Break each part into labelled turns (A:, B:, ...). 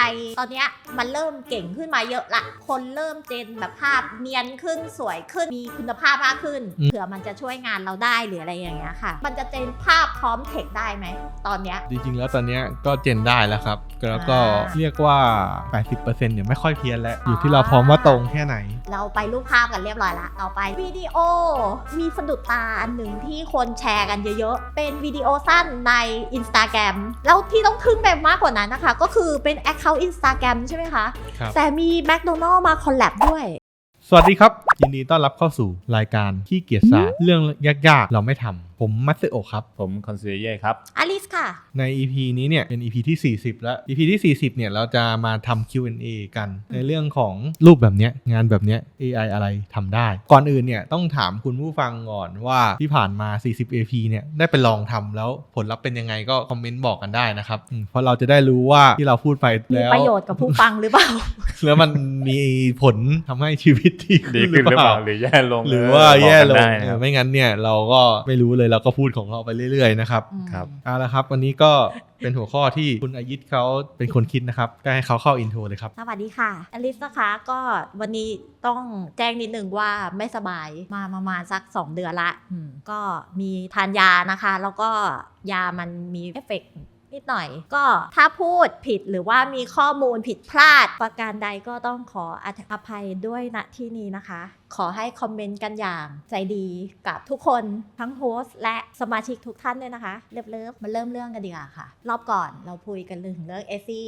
A: AI ตอนเนี้ยมันเริ่มเก่งขึ้นมาเยอะละคนเริ่มเจนแบบภาพเนียนขึ้นสวยขึ้นมีคุณภาพมากขึ้นเผื่อมันจะช่วยงานเราได้หรืออะไรอย่างเงี้ยค่ะมันจะเจนภาพพร้อมเทคได้ไหมตอนเนี้ย
B: จริงๆแล้วตอนเนี้ยก็เจนได้แล้วครับแล้วก็เรียกว่า 80% เนี่ยไม่ค่อยเพี้ยนแล้วอยู่ที่เราพร้อมว่าตรงแค่ไหน
A: เราไปรูปภาพกันเรียบร้อยละเอาไปวิดีโอมีสะดุดตาอันหนึ่งที่คนแชร์กันเยอะๆเป็นวิดีโอสั้นใน Instagram แล้วที่ต้องทึ่งแบบมากกว่านั้นนะคะก็คือเป็น Account Instagram ใช่ไหมคะแต่มี McDonald's มาคอลแลบด้วย
B: สวัสดีครับยินดีต้อนรับเข้าสู่รายการขี้เกียจศาสตร์เรื่องยากๆเราไม่ทำผมมัตสึโอะครับ
C: ผมคอนซิเย่ครับ
A: อลิสค่ะ
B: ใน EP นี้เนี่ยเป็น EP ที่40แล้ว EP ที่40เนี่ยเราจะมาทำ Q&A กันในเรื่องของรูปแบบเนี้ยงานแบบเนี้ย AI อะไรทำได้ก่อนอื่นเนี่ยต้องถามคุณผู้ฟังก่อนว่าที่ผ่านมา40 EP เนี่ยได้ไปลองทำแล้วผลลัพธ์เป็นยังไงก็คอมเมนต์บอกกันได้นะครับเพราะเราจะได้รู้ว่าที่เราพูดไปแล้ว
A: มีประโยชน์กับผู้ฟังหรือเปล่า
B: แล้วมันมีผลทำให้ชีวิตดี
C: ขึ้นหรือเปล่าหรือแย่ลง
B: หรือว่าแย่ลงไม่งั้นเนี่ยเราก็ไม่รู้เลยเราก็พูดของเราไปเรื่อยๆนะครับเอาละครับวันนี้ก็เป็นหัวข้อที่คุณอายิตเขาเป็นคนคิดนะครับก็ให้เขาเข้าอินโทรเลยครับ
A: สวัสดีค่ะอลิสนะคะก็วันนี้ต้องแจ้งนิดนึงว่าไม่สบายมาประมาณสัก2เดือนละก็มีทานยานะคะแล้วก็ยามันมีเอฟเฟกต์นิดหน่อยก็ถ้าพูดผิดหรือว่ามีข้อมูลผิดพลาดประการใดก็ต้องขออภัยด้วยณที่นี้นะคะขอให้คอมเมนต์กันอย่างใจดีกับทุกคนทั้งโฮสต์และสมาชิกทุกท่านด้วยนะคะเลิฟมาเริ่มเรื่องกันดีกว่าค่ะรอบก่อนเราคุยกันเรื่อง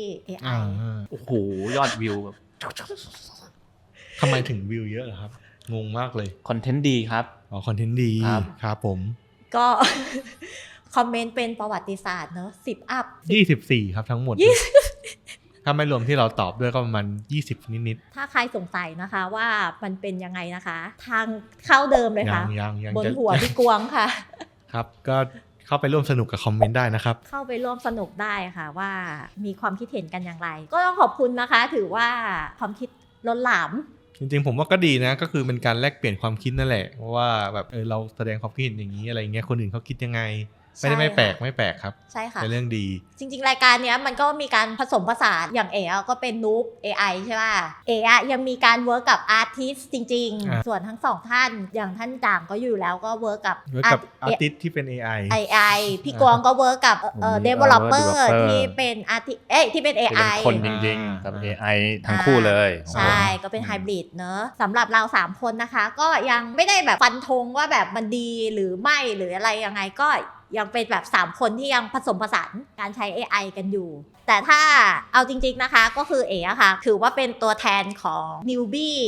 A: AI
C: โอ้โหยอดวิวแบบ
B: ทำไมถึงวิวเยอะเหรอครับงงมากเลย
C: คอนเทนต์ดีครับ
B: คอนเทนต์ดีครับผม
A: ก็คอมเมนต์เป็นประวัติศาสตร์เนอะ10 อัพ
B: 24ครับทั้งหมดถ้าไม่รวมที่เราตอบด้วยก็ประมาณ20นิด
A: ๆถ้าใครสงสัยนะคะว่ามันเป็นยังไงนะคะทางเข้าเดิมเลยค่ะบนหัวพี่กวงค่ะ
B: ครับก็เข้าไปร่วมสนุกกับคอมเมนต์ได้นะครับ
A: เข้าไปร่วมสนุกได้ค่ะว่ามีความคิดเห็นกันอย่างไรก็ต้องขอบคุณนะคะถือว่าความคิดล้นหลาม
B: จริงๆผมว่าก็ดีนะก็คือเป็นการแลกเปลี่ยนความคิดนั่นแหละว่าแบบเราแสดงความคิดเห็นอย่างนี้อะไรเงี้ยคนอื่นเขาคิดยังไงไม่แปลกครับ
A: ใช่ค่ะ
B: เป็นเรื่องดี
A: จริงๆรายการนี้มันก็มีการผสมผสานอย่างก็เป็นนูบ AI ใช่ป่ะยังมีการเวิร์กกับอาร์ติสจริงๆส่วนทั้งสองท่านอย่างท่านจ่างก็อยู่แล้วก็เวิร์กกับ
B: อาร์ติสที่เป็น AI
A: พี่กวางก็เวิร์กกับdeveloper ที่เป็นอาร์ติสที่เป็น AI
C: คนจริงๆกับ AI ทั้งคู่เลย
A: ใช่ก็เป็นไฮบริดเนอะสำหรับเรา3คนนะคะก็ยังไม่ได้แบบฟันธงว่าแบบมันดีหรือไม่หรืออะไรยังไงก็ยังเป็นแบบ3คนที่ยังผสมผสานการใช้ AI กันอยู่แต่ถ้าเอาจริงๆนะคะก็คืออะค่ะถือว่าเป็นตัวแทนของ newbie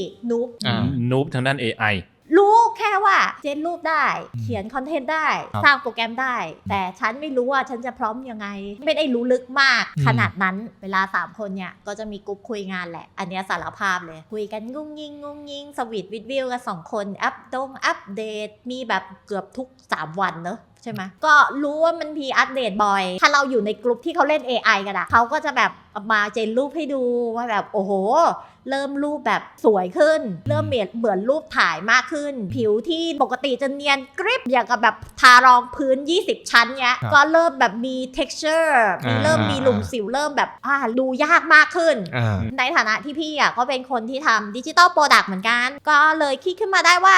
A: noob
C: ทางด้าน AI
A: รู้แค่ว่าเจนรูปได้เขียนคอนเทนต์ได้สร้างโปรแกรมได้แต่ฉันไม่รู้ว่าฉันจะพร้อมยังไงไม่ได้รู้ลึกมากขนาดนั้นเวลา3คนเนี่ยก็จะมีกลุ่มคุยงานแหละอันนี้สารภาพเลยคุยกันงุ้งยิงสวีทวิวกัน2คนอัปเดตมีแบบเกือบทุก3วันเนอะใช่ไหมก็รู้ว่ามันมีอัปเดตบ่อยถ้าเราอยู่ในกลุ่มที่เขาเล่น AI กันอะเขาก็จะแบบมาเจนรูปให้ดูว่าแบบโอ้โหเริ่มรูปแบบสวยขึ้นเริ่มเหมือนรูปถ่ายมากขึ้นผิวที่ปกติจะเนียนกริบอย่างกับแบบทารองพื้น20ชั้นเนี้ยก็เริ่มแบบมี texture เริ่มมีหลุมสิวเริ่มแบบดูยากมากขึ้นในฐานะที่พี่ก็เป็นคนที่ทำดิจิตอลโปรดักต์เหมือนกันก็เลยคิดขึ้นมาได้ว่า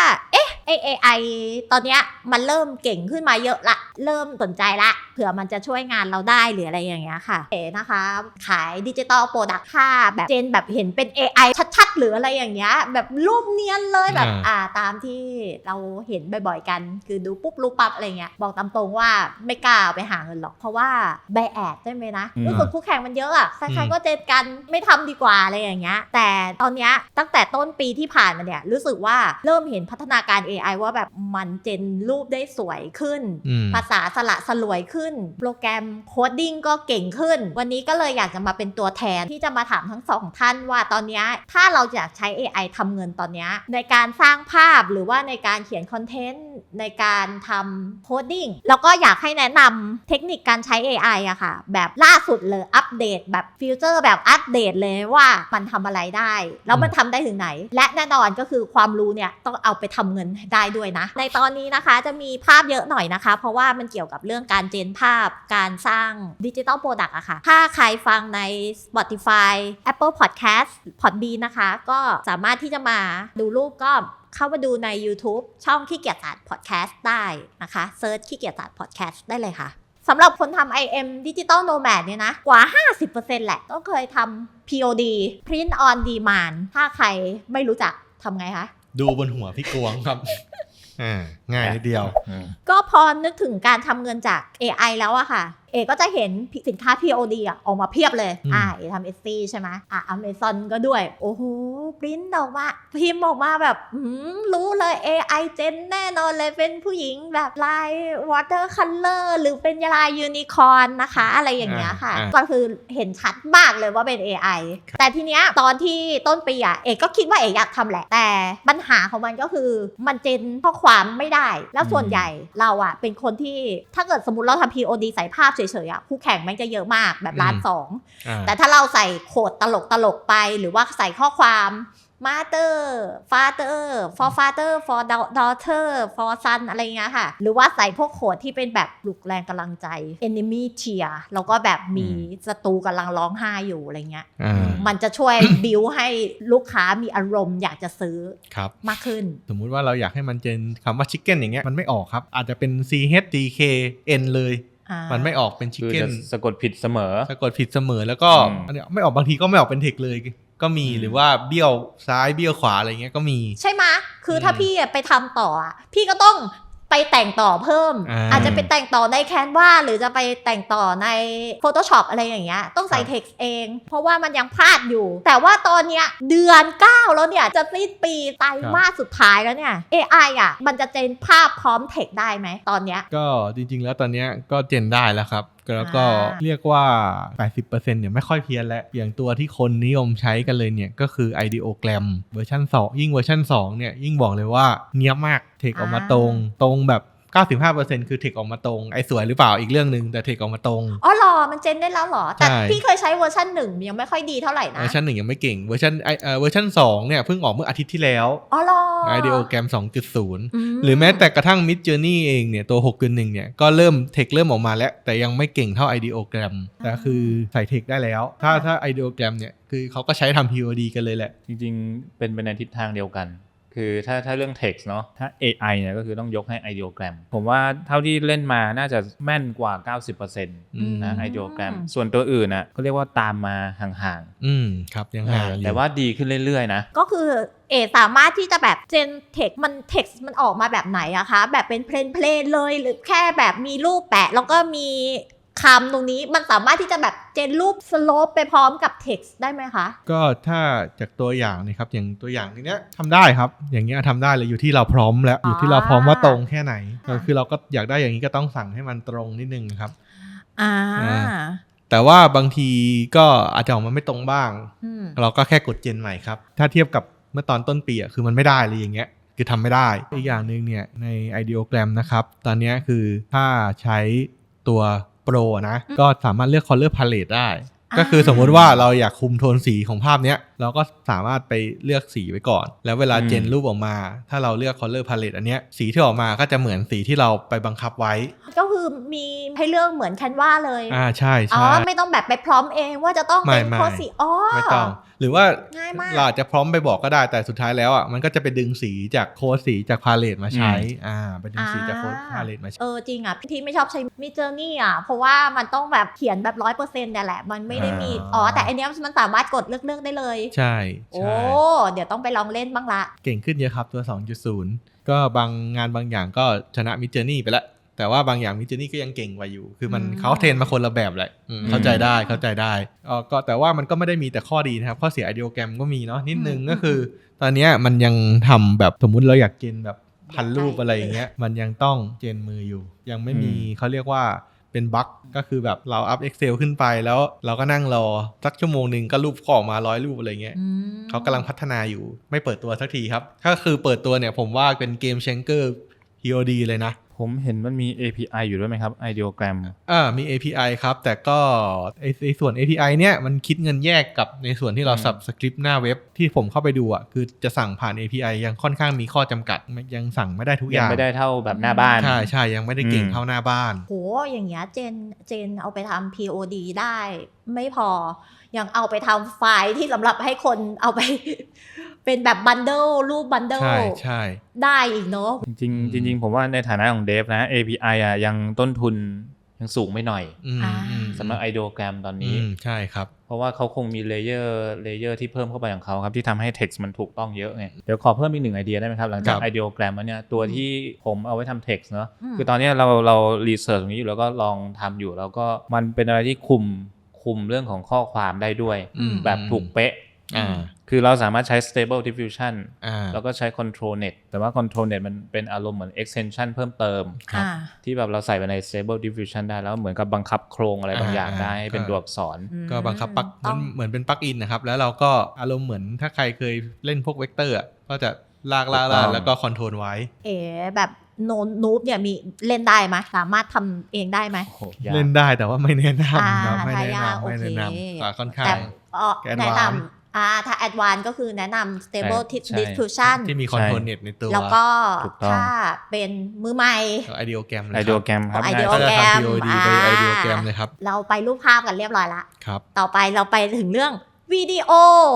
A: AI ตอนเนี้ยมันเริ่มเก่งขึ้นมาเยอะละเริ่มสนใจละเผื่อมันจะช่วยงานเราได้หรืออะไรอย่างเงี้ยค่ะนะคะขายดิจิตอลโปรดักต์ค่าแบบเจนแบบเห็นเป็น AI ชัดๆหรืออะไรอย่างเงี้ยแบบรูปเนียนเลยแบบตามที่เราเห็นบ่อยๆกันคือดูปุ๊บรู้ปั๊บอะไรเงี้ยบอกตามตรงว่าไม่กล้าไปหาเงินหรอกเพราะว่าไบแอดใช่ไหมนะรู้สึกคู่แข่งมันเยอะอะใครๆก็เจนกันไม่ทำดีกว่าอะไรอย่างเงี้ยแต่ตอนเนี้ยตั้งแต่ต้นปีที่ผ่านมาเนี่ยรู้สึกว่าเริ่มเห็นพัฒนาการ AI ว่าแบบมันเจนรูปได้สวยขึ้นภาษาสละสลวยขึ้นโปรแกรมโคดดิ้งก็เก่งขึ้นวันนี้ก็เลยอยากจะมาเป็นตัวแทนที่จะมาถามทั้ง2ท่านว่าตอนนี้ถ้าเราอยากใช้ AI ทำเงินตอนนี้ในการสร้างภาพหรือว่าในการเขียนคอนเทนต์ในการทำโคดดิ้งแล้วก็อยากให้แนะนำเทคนิคการใช้ AI อะค่ะแบบล่าสุดเลยอัปเดตแบบฟิวเจอร์แบบอัปเดตเลยว่ามันทำอะไรได้แล้วมันทำได้ถึงไหนและแน่นอนก็คือความรู้เนี่ยต้องเอาไปทำเงินได้ด้วยนะในตอนนี้นะคะจะมีภาพเยอะหน่อยนะคะเพราะว่ามันเกี่ยวกับเรื่องการเจนภาพการสร้างดิจิตอลโปรดักต์อะค่ะถ้าใครฟังใน Spotify Apple Podcast Podbean นะคะก็สามารถที่จะมาดูรูปก็เข้ามาดูใน YouTube ช่องขี้เกียจศาสตร์ Podcast ได้นะคะเซิร์ชขี้เกียจศาสตร์ Podcast ได้เลยค่ะสำหรับคนทำ IM Digital Nomad เนี่ยนะกว่า 50% แหละต้องเคยทำ POD Print on Demand ถ้าใครไม่รู้จักทำไงคะ
B: ดูบนหัวพี่กวงครับ ง่ายนิดเดียว
A: ก็พอนึกถึงการทำเงินจาก AI แล้วอะค่ะก็จะเห็นสินค้า POD อะออกมาเพียบเลยทำ Etsy ใช่ไหมAmazon ก็ด้วยโอ้โหปริ้นออกมาพิมพ์ออกมาแบบรู้เลย AI เจนแน่นอนเลยเป็นผู้หญิงแบบลาย water color หรือเป็นลาย unicorn นะคะอะไรอย่างเงี้ยค่ะก็คือเห็นชัดมากเลยว่าเป็น AI แต่ทีเนี้ยตอนที่ต้นปีอะก็คิดว่าอยากทำแหละแต่ปัญหาของมันก็คือมันเจนข้อความไม่ได้แล้วส่วนใหญ่เราอะเป็นคนที่ถ้าเกิดสมมติเราทำ POD ใส่ภาพเฉยๆคู่แข่งมันจะเยอะมากแบบ1,200,000แต่ถ้าเราใส่โคดตลกไปหรือว่าใส่ข้อความ mother father for father for daughter for son อะไรเงี้ยค่ะหรือว่าใส่พวกโคดที่เป็นแบบปลุกแรงกำลังใจ enemy cheer แล้วก็แบบมีศัตรูกำลังร้องไห้อยู่อะไรเงี้ยมันจะช่วย บิวให้ลูกค้ามีอารมณ์อยากจะซื้อมากขึ้น
B: สมมุติว่าเราอยากให้มันเจนคำว่า chicken อย่างเงี้ยมันไม่ออกครับอาจจะเป็น CHDKN เลยมันไม่ออกเป็น chicken
C: สะกดผิดเสมอ
B: แล้วก็อันนี้ไม่ออกบางทีก็ไม่ออกเป็นเทคเลยก็มีหรือว่าเบี้ยวซ้ายเบี้ยวขวาอะไรเงี้ยก็มี
A: ใช่ไหมคือถ้าพี่ไปทำต่อพี่ก็ต้องไปแต่งต่อเพิ่มอาจจะไปแต่งต่อใน Canva หรือจะไปแต่งต่อใน Photoshop อะไรอย่างเงี้ยต้องใส่ text เองเพราะว่ามันยังพลาดอยู่แต่ว่าตอนเนี้ยเดือน 9แล้วเนี่ยจะสิ้นปีไตรมาสสุดท้ายแล้วเนี่ย AI มันจะเจนภาพพร้อม text ได้ไหมตอนเนี้ย
B: ก็จริงๆแล้วตอนเนี้ยก็เจนได้แล้วครับแล้วก็เรียกว่า 80% เนี่ยไม่ค่อยเพี้ยนแล้วอย่างตัวที่คนนิยมใช้กันเลยเนี่ยก็คือ Ideogram เวอร์ชัน2ยิ่งเวอร์ชัน2เนี่ยยิ่งบอกเลยว่าเนี๊ยบมากเทคออกมาตรงแบบ 95% คือเทคออกมาตรงไอ้สวยหรือเปล่าอีกเรื่องนึงแต่เทคออกมาตรง
A: อ๋อหรอมันเจนได้แล้วหรอแต่พี่เคยใช้เวอร์ชัน1ยังไม่ค่อยดีเท่าไหร่นะ
B: เวอร์ชัน1ยังไม่เก่งเวอร์ชัน2เนี่ยเพิ่งออกเมื่ออาทิตย์ที่แล้ว
A: อ๋อหรอ
B: Ideogram 2.0 หรือแม้แต่กระทั่ง Midjourney เองเนี่ยตัว 6.1 เนี่ยก็เริ่มออกมาแล้วแต่ยังไม่เก่งเท่า Ideogram แต่คือใส่เทคได้แล้วถ้า Ideogram เนี่ยคือเขาก็ใช้ทำ POD กันเลยแหละ
C: จริงๆเป็นไปในทิศทางเดียวกันคือถ้าเรื่อง text เนาะถ้า AI เนี่ยก็คือต้องยกให้ Ideogram ผมว่าเท่าที่เล่นมาน่าจะแม่นกว่า 90% นะ Ideogram ส่วนตัวอื่นน่ะก็เรียกว่าตามมาห่าง
B: ๆครับยังห่าง
C: แต่ว่าดีขึ้นเรื่อยๆนะ
A: ก็คือสามารถที่จะแบบเจนเทคมันเท็กซ์มันออกมาแบบไหนอะคะแบบเป็นเพลนเลยหรือแค่แบบมีรูปแปะแล้วก็มีคำตรงนี้มันสามารถที่จะแบบเจนรูปสโลปไปพร้อมกับเท็กซ์ได้ไหมคะ
B: ก็ถ้าจากตัวอย่างนะครับอย่างตัวอย่างนี้เนี้ยทำได้ครับอย่างเงี้ยทำได้เลยอยู่ที่เราพร้อมแล้วอยู่ที่เราพร้อมว่าตรงแค่ไหนคือเราก็อยากได้อย่างนี้ก็ต้องสั่งให้มันตรงนิดนึงครับแต่ว่าบางทีก็อาจจะออกมาไม่ตรงบ้างเราก็แค่กดเจนใหม่ครับถ้าเทียบกับเมื่อตอนต้นปีคือมันไม่ได้เลยอย่างเงี้ยคือทำไม่ได้อีกอย่างนึงเนี่ยใน Ideogram นะครับตอนนี้คือถ้าใช้ตัวโปรนะก็สามารถเลือก color palette ได้ก็คือสมมุติว่าเราอยากคุมโทนสีของภาพเนี้ยเราก็สามารถไปเลือกสีไว้ก่อนแล้วเวลาเจนรูปออกมาถ้าเราเลือก color palette อันเนี้ยสีที่ออกมาก็จะเหมือนสีที่เราไปบังคับไว้
A: ก็คือมีให้เลือกเหมือน Canva เลย
B: ใช่
A: ไม่ต้องแบบไปพร้อมเองว่าจะต้องเป็นโทนสี
B: ไม่ต้องหรือว่าเราจะพร้อมไปบอกก็ได้แต่สุดท้ายแล้วมันก็จะไปดึงสีจากโค้ดสีจากพาเลตมาใช้ไปดึงสีจากโค้ดพาเลตมาใช้
A: จริงพี่ไม่ชอบใช้ Midjourney เพราะว่ามันต้องแบบเขียนแบบ 100% เนี่ยแหละมันไม่ได้มีแต่อันนี้มันสามารถกดเลือกได้เลย
B: ใช่
A: เดี๋ยวต้องไปลองเล่นบ้างละ
B: เก่งขึ้นเยอะครับตัว 2.0 ก็บางงานบางอย่างก็ชนะ Midjourney ไปแล้วแต่ว่าบางอย่าง Midjourney ก็ยังเก่งกว่าอยู่คือมันเขาเทรนมาคนละแบบแหละเข้าใจได้ก็แต่ว่ามันก็ไม่ได้มีแต่ข้อดีนะครับข้อเสีย Ideogram ก็มีเนาะนิดนึงก็คือตอนนี้มันยังทำแบบสมมุติเราอยากเจนแบบพันรูปอะไรอย่างเงี้ยมันยังต้องเจนมืออยู่ยังไม่มีเขาเรียกว่าเป็นบั๊กก็คือแบบเราอัพ Excel ขึ้นไปแล้วเราก็นั่งรอสักชั่วโมงนึงก็รูปก็ออกมา100 รูปอะไรเงี้ยเขากำลังพัฒนาอยู่ไม่เปิดตัวสักทีครับถ้าคือเปิดตัวเนี่ยผมว่าเป็นเกมเชนเกอร์ POD เลยนะ
C: ผมเห็นมันมี API อยู่ด้วยไหมครับ Ideogram
B: มี API ครับแต่ก็ไอส่วน API เนี่ยมันคิดเงินแยกกับในส่วนที่เรา subscript หน้าเว็บที่ผมเข้าไปดูอ่ะคือจะสั่งผ่าน API ยังค่อนข้างมีข้อจำกัดยังสั่งไม่ได้ทุกอย่าง
C: ยังไม่ได้เท่าแบบหน้าบ้าน
B: ใช่ยังไม่ได้เก่งเท่าหน้าบ้าน
A: โหอย่างเงี้ยเจนเอาไปทำ POD ได้ไม่พอยังเอาไปทำไฟล์ที่สำหรับให้คนเอาไป เป็นแบบบันเดิลรูปบันเดิล
B: ใช่
A: ได้อีกเนาะ
C: จริงผมว่าในฐานะของเดฟนะ API อ่ะยังต้นทุนยังสูงไม่หน่อยสำหรับ Ideogram ตอนนี้
B: ใช่ครับ
C: เพราะว่าเขาคงมีเลเยอร์ที่เพิ่มเข้าไปของเขาครับที่ทำให้ text มันถูกต้องเยอะไงเดี๋ยวขอเพิ่มอีก1ไอเดียได้ไหมครับหลังจาก Ideogram แล้วเนี่ยตัวที่ผมเอาไว้ทำ text เนาะคือตอนนี้เรารีเสิร์ชตรงนี้อยู่แล้วก็ลองทำอยู่แล้วก็มันเป็นอะไรที่คุมเรื่องของข้อความได้ด้วยแบบถูกเป๊ะคือเราสามารถใช้ stable diffusion แล้วก็ใช้ control net แต่ว่า control net มันเป็นอารมณ์เหมือน extension เพิ่มเติมที่แบบเราใส่ไปใน stable diffusion ได้แล้วเหมือนกับบังคับโครงอะไรบางอย่างได้ให้เป็นตัวอักษร
B: ก็บังคับเหมือนเป็นปลั๊กอินนะครับแล้วเราก็อารมณ์เหมือนถ้าใครเคยเล่นพวกเวกเตอร์ก็จะลากแล้วก็คอนโทรลไว้
A: แบบนูบเนี่ยมีเล่นได้ไหมสามารถทำเองได้ไหม
B: เล่นได้แต่ว่าไม่แนะนำครับไม่แนะนำค่อนข้าง
A: แนะนำถ้า Advanced ก็คือแนะนำ Stable Diffusion
B: ที่มี Control Net ในตัว
A: แล้วก็ถ้าเป็นมือใหม่
B: Ideogram เลย
C: Ideogram ครับ
B: Ideogram Ideogram เลยครับ
A: เราไปรูปภาพกันเรียบร้อยละ
B: ครับ
A: ต่อไปเราไปถึงเรื่องวิดีโอ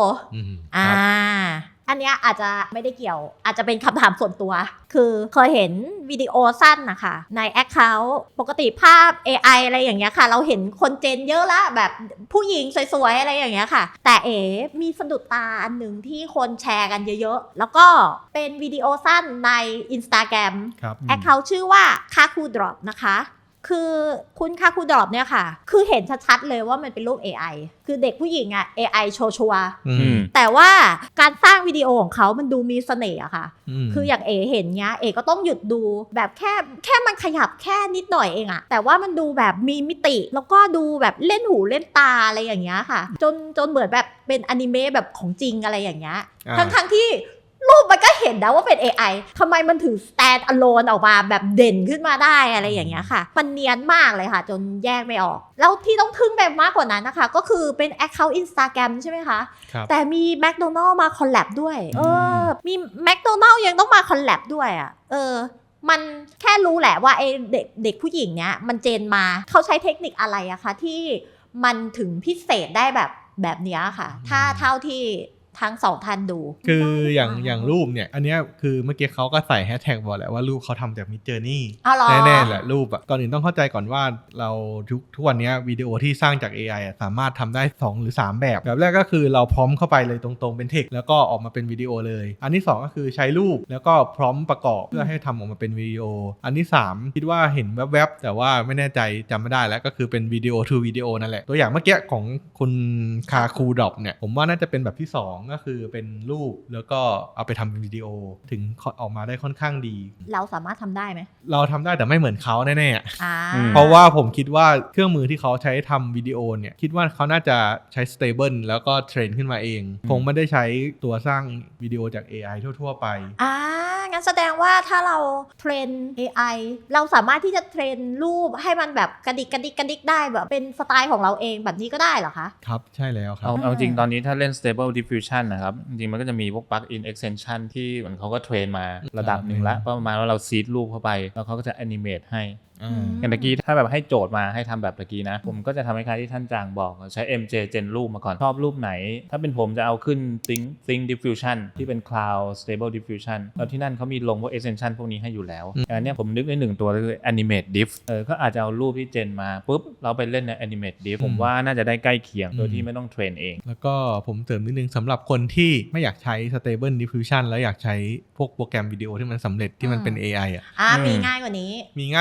A: อันนี้อาจจะไม่ได้เกี่ยวอาจจะเป็นคำถามส่วนตัวคือเคยเห็นวิดีโอสั้นนะคะใน Account ปกติภาพ AI อะไรอย่างเงี้ยค่ะเราเห็นคนเจนเยอะละแบบผู้หญิงสวยๆอะไรอย่างเงี้ยค่ะแต่มีสะดุดตาอันหนึ่งที่คนแชร์กันเยอะๆแล้วก็เป็นวิดีโอสั้นใน Instagram Account ชื่อว่า Kaku Drop นะคะคือคุณคาคูดรอปเนี่ยค่ะคือเห็นชัดๆเลยว่ามันเป็นรูป AI คือเด็กผู้หญิงAI ชัวร์แต่ว่าการสร้างวิดีโอของเขามันดูมีเสน่ห์อะค่ะคืออย่างเห็นเงี้ยก็ต้องหยุดดูแบบแค่มันขยับแค่นิดหน่อยเองอะแต่ว่ามันดูแบบมีมิติแล้วก็ดูแบบเล่นหูเล่นตาอะไรอย่างเงี้ยค่ะจนเหมือนแบบเป็นอนิเมะแบบของจริงอะไรอย่างเงี้ยทั้งที่รูปมันก็เห็นนะว่าเป็น AI ทำไมมันถึง stand alone ออกมาแบบเด่นขึ้นมาได้อะไรอย่างเงี้ยค่ะมันเนียนมากเลยค่ะจนแยกไม่ออกแล้วที่ต้องทึ่งแบบมากกว่านั้นนะคะก็คือเป็น account Instagram ใช่ไหมคะแต่มี McDonald มาคอลแลบด้วยมี McDonald ยังต้องมาคอลแลบด้วยมันแค่รู้แหละว่าไอ้เด็กผู้หญิงเนี้ยมันเจนมาเขาใช้เทคนิคอะไรอะคะที่มันถึงพิเศษได้แบบเนี้ยค่ะถ้าเท่าที่ทั้งสองท่านดู
B: คืออย่างรูปเนี่ยอันนี้คือเมื่อกี้เขาก็ใส่แฮชแท็กบอกแหละว่ารูปเขาทำจาก Midjourney แน่ๆแหละรูปก่อนอื่นต้องเข้าใจก่อนว่าเราทุกวันนี้วิดีโอที่สร้างจาก AI สามารถทำได้2หรือ3แบบแรกก็คือเราพร้อมเข้าไปเลยตรงๆเป็นเทคแล้วก็ออกมาเป็นวิดีโอเลยอันที่2ก็คือใช้รูปแล้วก็พร้อมประกอบเพื่อให้ทำออกมาเป็นวิดีโออันที่3คิดว่าเห็นแวบๆแต่ว่าไม่แน่ใจจำไม่ได้แล้วก็คือเป็นวิดีโอ to วิดีโอนั่นแหละตัวอย่างเมื่อกี้ของคุณคาคูดรอปเนี่ยผมว่าน่าจะเป็นแบบที่2ก็คือเป็นรูปแล้วก็เอาไปทำเป็นวิดีโอถึงออกมาได้ค่อนข้างดี
A: เราสามารถทำได้ไหม
B: เราทำได้แต่ไม่เหมือนเขาแน่ๆเพราะว่าผมคิดว่าเครื่องมือที่เขาใช้ทำวิดีโอเนี่ยคิดว่าเขาน่าจะใช้ stable แล้วก็เทรนขึ้นมาเองคงไม่ได้ใช้ตัวสร้างวิดีโอจาก AI ทั่วๆไป
A: งั้นแสดงว่าถ้าเราเทรน AI เราสามารถที่จะเทรนรูปให้มันแบบกระดิกได้แบบเป็นสไตล์ของเราเองแบบนี้ก็ได้เหรอคะ
B: ครับใช่แล้วครับ
C: เอาจริงตอนนี้ถ้าเล่น stable diffusion นะครับจริงมันก็จะมีพวก plug-in extension ที่เหมือนเขาก็เทรนมาระดับหนึ่งแล้วประมาณว่าเราซีดรูปเข้าไปแล้วเขาก็จะ animate ให้อย่างเมื่อกี้ถ้าแบบให้โจทย์มาให้ทำแบบเมื่อกี้นะผมก็จะทำให้คล้ายที่ท่านจางบอกใช้ MJ Gen รูปมาก่อนชอบรูปไหนถ้าเป็นผมจะเอาขึ้น Think Diffusion ที่เป็น Cloud Stable Diffusion แล้วที่นั่นเขามีลงพวก extension พวกนี้ให้อยู่แล้วอันนี้ผมนึกได้1ตัวคือ Animate Diff ก็อาจจะเอารูปที่เจนมาปุ๊บเราไปเล่นใน Animate Diff ผมว่าน่าจะได้ใกล้เคียงโดยที่ไม่ต้องเทรนเอง
B: แล้วก็ผมเสริมนิดนึงสำหรับคนที่ไม่อยากใช้ Stable Diffusion แล้วอยากใช้พวกโปรแกรมวิดีโอที่มันสำเร็จที่มันเป็น AI
A: มีง่ายกว่านี้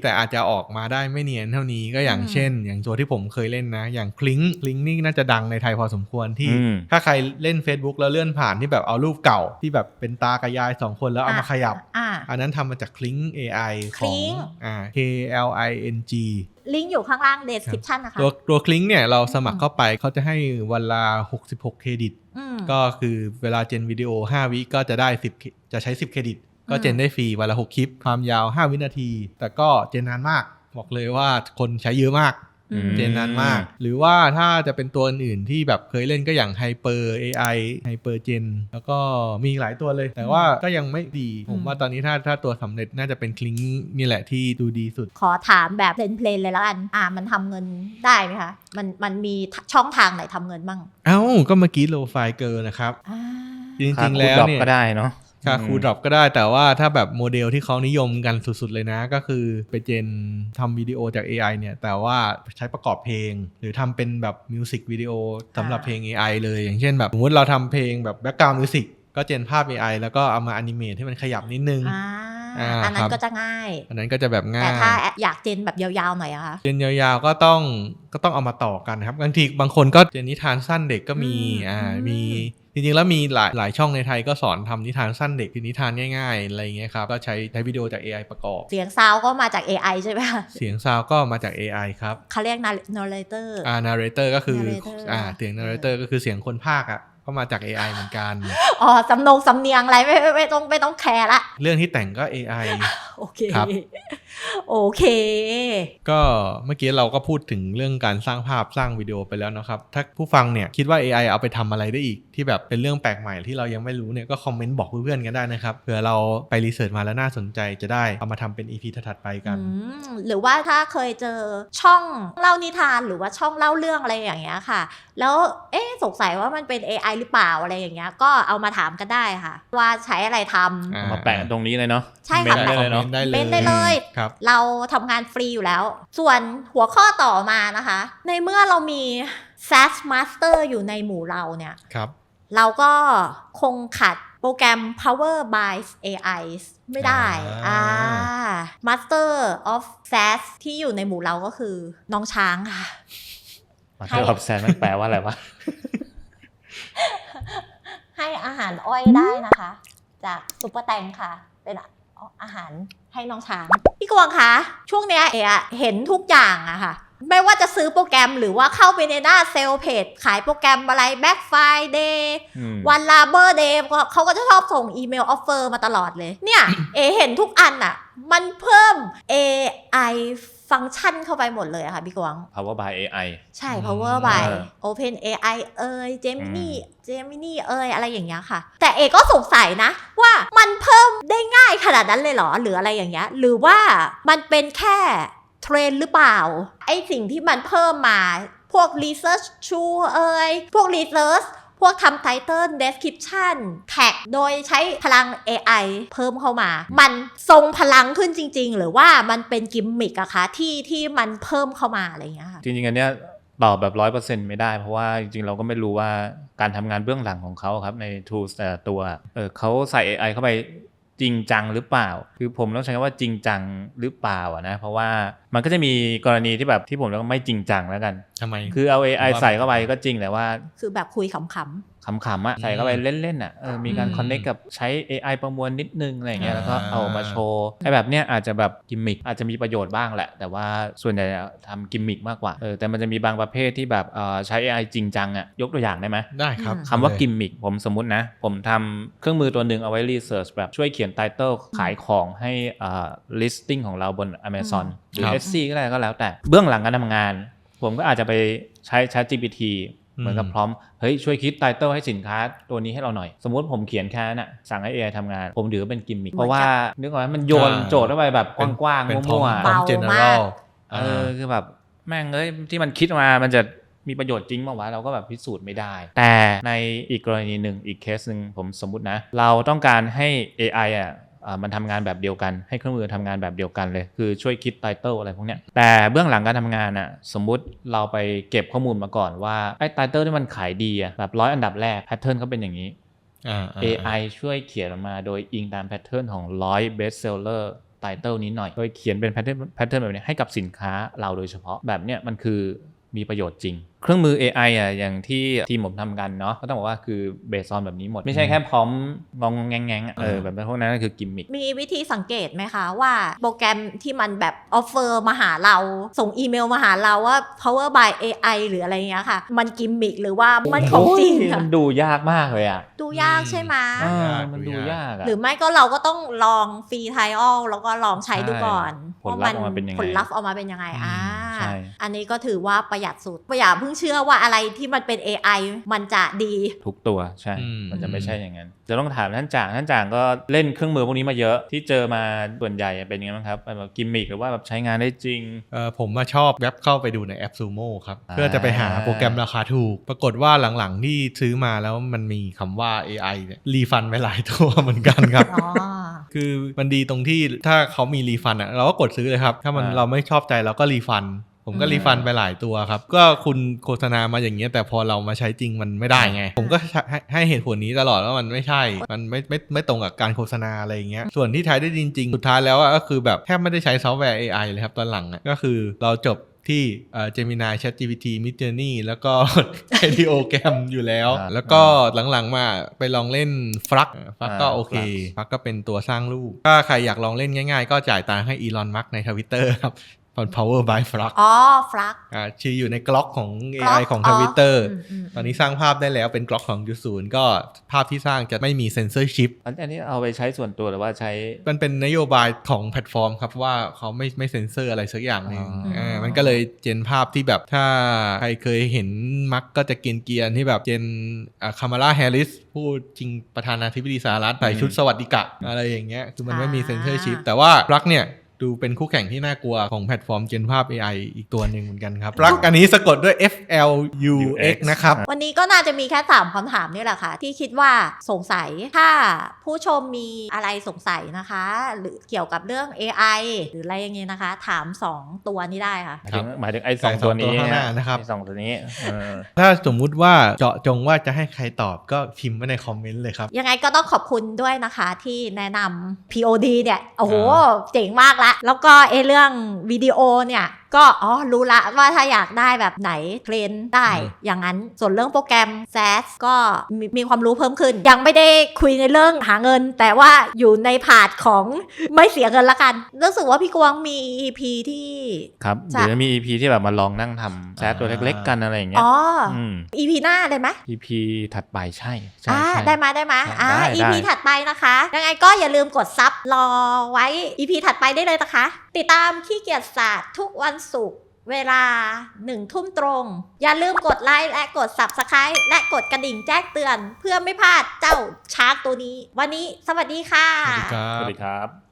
B: แต่อาจจะออกมาได้ไม่เนียนเท่านี้ก็อย่างเช่นอย่างตัวที่ผมเคยเล่นนะอย่างคลิงนี่น่าจะดังในไทยพอสมควรที่ถ้าใครเล่น Facebook แล้วเลื่อนผ่านที่แบบเอารูปเก่าที่แบบเป็นตากระยาย2คนแล้วเอามาขยับอันนั้นทำมาจากคลิง AI ของKLING
A: ลิงก์อยู่ข้างล่าง description นะคะ
B: ตัวคลิงเนี่ยเราสมัครเข้าไปเขาจะให้วันละ66เครดิตก็คือเวลาเจนวิดีโอ5วิก็จะได้10จะใช้10เครดิตก็เจนได้ฟรีวันละ6คลิปความยาว5วินาทีแต่ก็เจนนานมากบอกเลยว่าคนใช้เยอะมากเจนนานมากหรือว่าถ้าจะเป็นตัวอื่นที่แบบเคยเล่นก็อย่าง Hyper AI Hyper Gen แล้วก็มีหลายตัวเลยแต่ว่าก็ยังไม่ดีผมว่าตอนนี้ถ้าตัวสำเร็จน่าจะเป็นคลิงนี่แหละที่ดูดีสุด
A: ขอถามแบบเพลนเลยแล้วกันมันทำเงินได้ไหมคะมันมีช่องทางไหนทำเงินบ้าง
B: ก็เมื่อกี้โลไฟเกิร์ลนะครับจริงๆแล้วเนี่ย
C: ก็ได้เนาะ
B: ค่าคูดรอปก็ได้แต่ว่าถ้าแบบโมเดลที่เขานิยมกันสุดๆเลยนะก็คือไปเจนทำวิดีโอจาก AI เนี่ยแต่ว่าใช้ประกอบเพลงหรือทำเป็นแบบมิวสิกวิดีโอสำหรับเพลง AI เลยอย่างเช่นแบบสมมติเราทำเพลงแบบแบ็คกราวด์มิวสิกก็เจนภาพ AI แล้วก็เอามาอนิเมตให้มันขยับนิดนึง
A: อันนั้นก็จะง่าย
B: อันนั้นก็จะแบบง่าย
A: แต่ถ้าอยากเจนแบบยาวๆหน่อยอะคะ
B: เจนยาวๆก็ต้องเอามาต่อกันครับบางคนก็เจนนิทานสั้นเด็กก็มีจริงๆแล้วมีหลายช่องในไทยก็สอนทำนิทานสั้นเด็กนิทานง่ายๆอะไรอย่างเงี้ยครับก็ใช้วิดีโอจาก AI ประกอบ
A: เสียงซาวก็มาจาก AI ใช่ไหมคะ
B: เสียงซาวก็มาจาก AI ครับ
A: เขาเรียก narrator
B: narrator ก็คือเสียง narrator ก็คือเสียงคนพากย์ก็มาจาก AI เหมือนกัน
A: สำเนียงอะไรไม่ต้องแคร์ละ
B: เรื่องที่แต่งก็ AI
A: โอเคครับโอเค
B: ก็เมื่อกี้เราก็พูดถึงเรื่องการสร้างภาพสร้างวิดีโอไปแล้วนะครับถ้าผู้ฟังเนี่ยคิดว่า AI เอาไปทำอะไรได้อีกที่แบบเป็นเรื่องแปลกใหม่ที่เรายังไม่รู้เนี่ยก็คอมเมนต์บอกเพื่อนๆกันได้นะครับเผื่อเราไปรีเสิร์ชมาแล้วน่าสนใจจะได้เอามาทำเป็น EP ถัดไปกัน
A: หรือว่าถ้าเคยเจอช่องเล่านิทานหรือว่าช่องเล่าเรื่องอะไรอย่างเงี้ยค่ะแล้วสงสัยว่ามันเป็น AI หรือเปล่าอะไรอย่างเงี้ยก็เอามาถามกันได้ค่ะว่าใช้อะไรทำ
C: มาแปะตรงนี้เลยเนาะ
A: ใช่ค่ะ
B: ได้เลยเนาะ
A: เป็นได้เลยเราทำงานฟรีอยู่แล้วส่วนหัวข้อต่อมานะคะในเมื่อเรามี SaaS Master อยู่ในหมู่เราเนี่ยเราก็คงขัดโปรแกรม Power by AI ไม่ได้Master of SaaS ที่อยู่ในหมู่เราก็คือน้องช้างค่ะ
C: Master of SaaS มันแปลว่าอะไรวะ
A: ให้อาหารอ้อยได้นะคะจากซุปเปอร์แตงค่ะเป็นอาหารให้น้องช้างพี่กวางคะช่วงเนี้ยเห็นทุกอย่างอะค่ะไม่ว่าจะซื้อโปรแกรมหรือว่าเข้าไปในหน้าเซลล์เพจขายโปรแกรมอะไร Black Friday วัน Labor Day เขาก็จะชอบส่งอีเมลออฟเฟอร์มาตลอดเลยเนี่ยเห็นทุกอันอะมันเพิ่ม AI ฟังก์ชันเข้าไปหมดเลยอะค่ะพี่กวาง
C: Power by AI
A: ใช่ Power by Open AI Gemini อะไรอย่างเงี้ยค่ะแต่ก็สงสัยนะว่ามันเพิ่มได้ง่ายขนาดนั้นเลยเหรอหรืออะไรอย่างเงี้ยหรือว่ามันเป็นแค่เทรนหรือเปล่าไอสิ่งที่มันเพิ่มมาพวก research tool พวก research พวกทำ title description tag โดยใช้พลัง AI เพิ่มเข้ามามันทรงพลังขึ้นจริงๆหรือว่ามันเป็นกิมมิกอะคะที่มันเพิ่มเข้ามาอะไรอย่างเงี้ยค่ะ
C: จริงๆอันเนี้ยตอบแบบ 100% ไม่ได้เพราะว่าจริงๆเราก็ไม่รู้ว่าการทำงานเบื้องหลังของเขาครับใน tools แต่ละตัวเขาใส่ AI เข้าไปจริงจังหรือเปล่าคือผมต้องใช้คำว่าจริงจังหรือเปล่านะเพราะว่ามันก็จะมีกรณีที่แบบที่ผมเรียกว่าไม่จริงจังแล้วกัน
B: ทำไม
C: คือเอา AI ใส่เข้าไปก็จริงแต่ว่า
A: คือแบบคุยขำ
C: ๆอะใส่เข้าไปเล่นๆอะมีการคอนเนคกับใช้ AI ประมวลนิดนึงอะไรอย่างเงี้ยแล้วก็เอามาโชว์ไอ้แบบเนี้ยอาจจะแบบกิมมิคอาจจะมีประโยชน์บ้างแหละแต่ว่าส่วนใหญ่ทำกิมมิคมากกว่าแต่มันจะมีบางประเภทที่แบบใช้ AI จริงจังอะยกตัวอย่างได้ไหม
B: ได้ครับ
C: คำว่ากิมมิคผมสมมุตินะผมทำเครื่องมือตัวหนึ่งเอาไว้รีเสิร์ชแบบช่วยเขียนไตเติลขายของให้listing ของเราบน Amazon หรือ Etsy ก็ได้ก็แล้วแต่เบื้องหลังการทำงานผมก็อาจจะไปใช้ ChatGPT เหมือนกับพร้อมเฮ้ยช่วยคิดไตเติลให้สินค้าตัวนี้ให้เราหน่อยสมมุติผมเขียนแค่นั้นสั่งให้ AI ทำงานผมถือว่าเป็นกิมมิคเพราะว่านึกออกไหมมันโยนโจทย์เข้าไปแบบกว้างๆมั่ว
B: ๆพร้อม general
C: คือแบบแม่งที่มันคิดมามันจะมีประโยชน์จริงมั้ยวะเราก็แบบพิสูจน์ไม่ได้แต่ในอีกกรณีหนึ่งอีกเคสนึงผมสมมุตินะเราต้องการให้ AI มันทำงานแบบเดียวกันให้เครื่องมือทำงานแบบเดียวกันเลยคือช่วยคิดไตเติลอะไรพวกเนี้ยแต่เบื้องหลังการทำงานสมมุติเราไปเก็บข้อมูลมาก่อนว่าไอ้ไตเติลที่มันขายดีแบบ100อันดับแรกแพทเทิร์นเขาเป็นอย่างนี้ AI ช่วยเขียนออกมาโดยอิงตามแพทเทิร์นของ100 best seller ไตเติลนี้หน่อยโดยเขียนเป็นแพทเทิร์นแบบนี้ให้กับสินค้าเราโดยเฉพาะแบบเนี้ยมันคือมีประโยชน์จริงเครื่องมือ AI อ่ะอย่างที่ทีมผมทำกันเนาะก็ต้องบอกว่าคือเบสออนแบบนี้หมดไม่ใช่แค่พร้อมงองแงงแบบพวกนั้นก็คือกิมมิค
A: มีวิธีสังเกตไหมคะว่าโปรแกรมที่มันแบบออฟเฟอร์มาหาเราส่งอีเมลมาหาเราว่า power by AI หรืออะไรเงี้ยค่ะมันกิมมิคหรือว่ามันของจริงอะ
C: มันดูยากมากเลยอ่ะ
A: ดูยากใช่ไหม
C: มันดูยากอะ
A: หรือไม่ก็เราก็ต้องลองฟรีไทออลแล้วก็ลองใช้ดูก่อน
C: ผลลัพธ์ออกมาเป็นยังไง
A: ผลลัพธ์ออกมาเป็นยังไง
C: ใช่
A: อันนี้ก็ถือว่าประหยัดสุดอย่าเพิ่งเชื่อว่าอะไรที่มันเป็น AI มันจะดี
C: ทุกตัวใช่ มันจะไม่ใช่อย่างนั้นจะต้องถามท่านจ่างก็เล่นเครื่องมือพวกนี้มาเยอะที่เจอมาส่วนใหญ่เป็นยังไงบ้างครับแบบกิมมิคหรือว่าแบบใช้งานได้จริง
B: ผมมาชอบแว็บเข้าไปดูในแอป Sumo ครับเพื่อจะไปหาโปรแกรมราคาถูกปรากฏว่าหลังๆที่ซื้อมาแล้วมันมีคำว่า AI เนี่ยรีฟันไปหลายตัวเหมือนกันครับ คือมันดีตรงที่ถ้าเขามีรีฟันอ่ะเราก็กดซื้อเลยครับถ้ามันเราไม่ชอบใจเราก็รีฟันผมก็รีฟันไปหลายตัวครับก็คุณโฆษณามาอย่างเงี้ยแต่พอเรามาใช้จริงมันไม่ได้ไงผมก็ให้เหตุผลนี้ตลอดว่ามันไม่ใช่มันไม่ตรงกับการโฆษณาอะไรอย่างเงี้ยส่วนที่ใช้ได้จริงๆสุดท้ายแล้วก็คือแบบแทบไม่ได้ใช้ซอฟต์แวร์ AI เลยครับตอนหลังก็คือเราจบที่Gemini ChatGPT Midjourney แล้วก็ Ideogram อยู่แล้วแล้วก็หลังๆมาไปลองเล่น Flux ก็โอเค Flux ก็เป็นตัวสร้างรูปถ้าใครอยากลองเล่นง่ายๆก็จ่ายตังค์ให้ Elon Musk ใน Twitter ครับPower by Flux
A: ฟลัก
B: ชื่ออยู่ในกล็อกของ AI ของ Twitter ตอนนี้สร้างภาพได้แล้วเป็นกล็อกของ2.0ก็ภาพที่สร้างจะไม่มีเซนเซอร์ชิป
C: อันนี้เอาไปใช้ส่วนตัวหรือว่าใช้
B: มันเป็นนโยบายของแพลตฟอร์มครับว่าเขาไม่เซนเซอร์อะไรสักอย่างนึงมันก็เลยเจนภาพที่แบบถ้าใครเคยเห็นมักก็จะเกรียนๆที่แบบเจนคามาลาแฮร์ริสผู้จริงประธานาธิบดีสหรัฐใส่ชุดสวัสดิกะอะไรอย่างเงี้ยคือมันไม่มีเซนเซอร์ชิปแต่ว่ารักเนี่ยดูเป็นคู่แข่งที่น่ากลัวของแพลตฟอร์มเจนภาพ AI อีกตัวหนึ่งเหมือนกันครับรักอันนี้สะกดด้วย FLUX นะครับ
A: วันนี้ก็น่าจะมีแค่3คำถามนี่แหละค่ะที่คิดว่าสงสัยถ้าผู้ชมมีอะไรสงสัยนะคะหรือเกี่ยวกับเรื่อง AI หรืออะไรอย่างเงี้ยนะคะถาม2ตัวนี้ได้ค่ะ
C: หมายถึงไอ้2ตัวนี้
B: นะครับ
C: 2ตัวนี้
B: ถ้าสมมุติว่าเจาะจงว่าจะให้ใครตอบก็พิมพ์ไว้ในคอมเมนต์เลยครับ
A: ยังไงก็ต้องขอบคุณด้วยนะคะที่แนะนำ POD เนี่ยโอ้โหเจ๋งมากละแล้วก็เรื่องวิดีโอเนี่ยก็รู้ละว่าถ้าอยากได้แบบไหนเทรนได้อย่างนั้นส่วนเรื่องโปรแกรม SAS ก็มีความรู้เพิ่มขึ้นยังไม่ได้คุยในเรื่องหาเงินแต่ว่าอยู่ในพาร์ทของไม่เสียเงินละกันรู้สึกว่าพี่กวางมี EP ที่
C: ครับเดี๋ยวจะมี EP ที่แบบมาลองนั่งทำ SAS ตัวเล็กๆกันอะไรอย่างเงี้ย
A: EP หน้าได้ไหม
C: EP ถัดไปใช่
A: ได้มาEP ถัดไปนะคะยังไงก็อย่าลืมกดซับรอไว้ EP ถัดไปได้เลยนะคะติดตามขี้เกียจศาสตร์ทุกวันศุกร์เวลา 1 ทุ่มตรงอย่าลืมกดไลค์และกด Subscribe และกดกระดิ่งแจ้งเตือนเพื่อไม่พลาดเจ้าชาร์กตัวนี้วันนี้สวัสดีค่ะ
C: สวัสดีครับ